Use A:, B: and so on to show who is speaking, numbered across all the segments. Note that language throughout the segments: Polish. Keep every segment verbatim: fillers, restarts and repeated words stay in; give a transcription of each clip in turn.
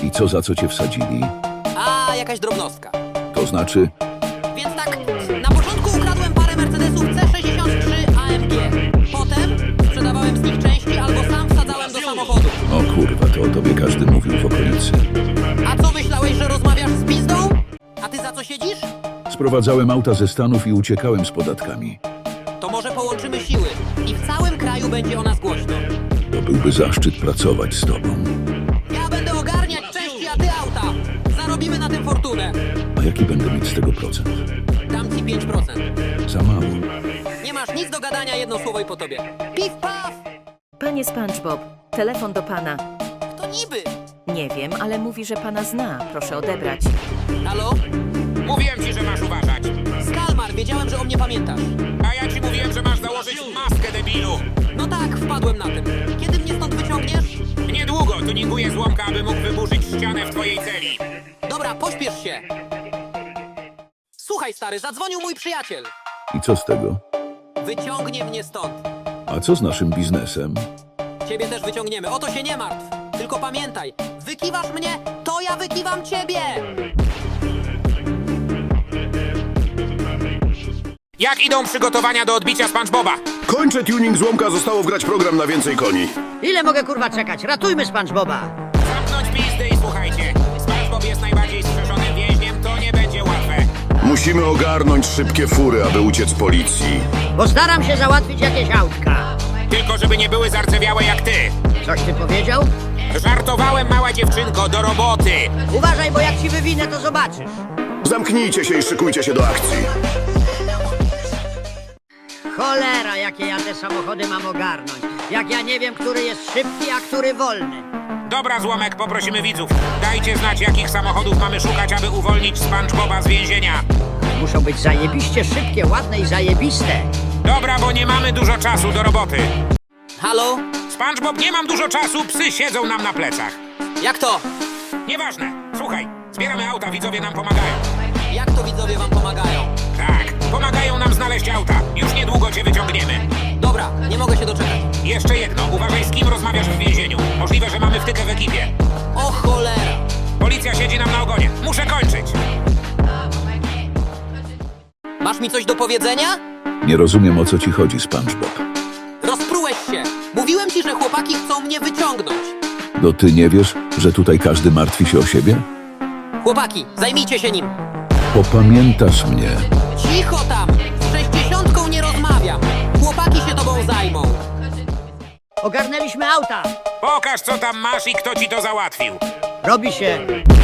A: I co, za co cię wsadzili?
B: A, jakaś drobnostka.
A: To znaczy,
B: Więc tak, na początku ukradłem parę Mercedesów C sześćdziesiąt trzy A M G. Potem sprzedawałem z nich części albo sam wsadzałem do samochodu.
A: o kurwa, to o tobie każdy mówił w okolicy.
B: A co myślałeś, że rozmawiasz z pizdą? A ty za co siedzisz?
A: Sprowadzałem auta ze Stanów i uciekałem z podatkami.
B: To może połączymy siły i w całym kraju będzie o nas głośno.
A: To byłby zaszczyt pracować z tobą.
B: Ja będę ogarniać części, a ty auta. Zarobimy na tym fortunę.
A: A jaki będę mieć z tego procent?
B: Dam ci pięć procent.
A: Za mało.
B: Nie masz nic do gadania, jedno słowo i po tobie. Pif paf!
C: Panie SpongeBob, telefon do pana.
B: Kto niby?
C: Nie wiem, ale mówi, że pana zna. Proszę odebrać.
B: Halo?
D: Mówiłem ci, że masz uważać.
B: Skalmar, wiedziałem, że o mnie pamiętasz.
D: A ja ci mówiłem, że masz założyć maskę, debilu.
B: No tak, wpadłem na tym. Kiedy mnie stąd wyciągniesz?
D: Niedługo tuninguję złomka, aby mógł wyburzyć ścianę w twojej celi.
B: Dobra, pośpiesz się. Słuchaj, stary, zadzwonił mój przyjaciel.
A: I co z tego?
B: Wyciągnie mnie stąd.
A: A co z naszym biznesem?
B: Ciebie też wyciągniemy, o to się nie martw. Tylko pamiętaj, wykiwasz mnie, to ja wykiwam ciebie.
D: Jak idą przygotowania do odbicia SpongeBoba?
E: Kończę tuning złomka, zostało wgrać program na więcej koni.
F: Ile mogę kurwa czekać? Ratujmy SpongeBoba!
D: Zamknąć pizdy i słuchajcie. SpongeBob jest najbardziej strzeżonym więźniem, to nie będzie łatwe.
E: Musimy ogarnąć szybkie fury, aby uciec policji.
F: Postaram się załatwić jakieś autka.
D: Tylko żeby nie były zarcewiałe jak ty.
F: Coś ty powiedział?
D: Żartowałem, mała dziewczynko, do roboty.
F: Uważaj, bo jak ci wywinę, to zobaczysz.
E: Zamknijcie się i szykujcie się do akcji.
F: Cholera, jakie ja te samochody mam ogarnąć. Jak ja nie wiem, który jest szybki, a który wolny.
D: Dobra, złomek, poprosimy widzów. Dajcie znać, jakich samochodów mamy szukać, aby uwolnić SpongeBoba z więzienia.
F: Muszą być zajebiście szybkie, ładne i zajebiste.
D: Dobra, bo nie mamy dużo czasu do roboty.
B: Halo?
D: SpongeBob, nie mam dużo czasu, psy siedzą nam na plecach.
B: Jak to?
D: Nieważne. Słuchaj, zbieramy auta, widzowie nam pomagają.
B: Jak to widzowie wam pomagają?
D: Tak, pomagają nam znaleźć auta. Już niedługo cię wyciągniemy.
B: Dobra, nie mogę się doczekać.
D: Jeszcze jedno, uważaj, z kim rozmawiasz w więzieniu. Możliwe, że mamy wtykę w ekipie.
B: O cholera!
D: Policja siedzi nam na ogonie. Muszę kończyć.
B: Masz mi coś do powiedzenia?
A: Nie rozumiem, o co ci chodzi, SpongeBob.
B: Rozprułeś się. Mówiłem ci, że chłopaki chcą mnie wyciągnąć.
A: No ty nie wiesz, że tutaj każdy martwi się o siebie?
B: Chłopaki, zajmijcie się nim.
A: Popamiętasz mnie.
B: Cicho tam! Z sześćdziesiątką nie rozmawiam. Chłopaki się tobą zajmą.
F: Ogarnęliśmy auta.
D: Pokaż, co tam masz i kto ci to załatwił.
F: Robi się.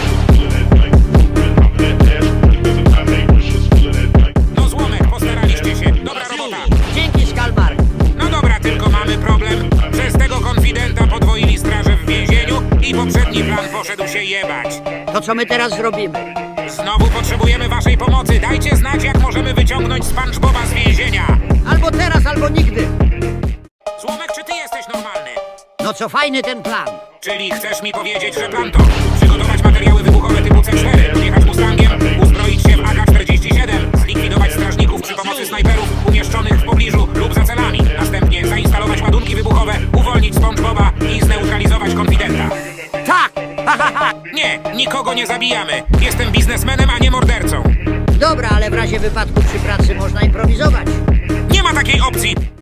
D: No złomek, postaraliście się. Dobra robota.
F: Dzięki, Skalmar.
D: No dobra, tylko mamy problem. Przez tego konfidenta podwoili straże w więzieniu i poprzedni plan poszedł się jebać.
F: To co my teraz zrobimy?
D: Znowu potrzebujemy waszej pomocy. Dajcie znać, jak możemy wyciągnąć SpongeBoba z więzienia.
F: Albo teraz, albo nigdy.
D: Złomek, czy ty jesteś normalny?
F: No co fajny ten plan.
D: Czyli chcesz mi powiedzieć, że plan to przygotować materiały wybuchowe typu C cztery, podjechać Mustangiem, uzbroić się w A K czterdzieści siedem, zlikwidować strażników przy pomocy snajperów umieszczonych w pobliżu lub za celami, następnie zainstalować ładunki wybuchowe, uwolnić SpongeBoba i zneutralizować konfidenta.
F: Tak! Ha, ha, ha.
D: Nie, nikogo nie zabijamy. Jestem biznesmenem, a nie mordercą.
F: Dobra, ale w razie wypadku przy pracy można improwizować.
D: Nie ma takiej opcji.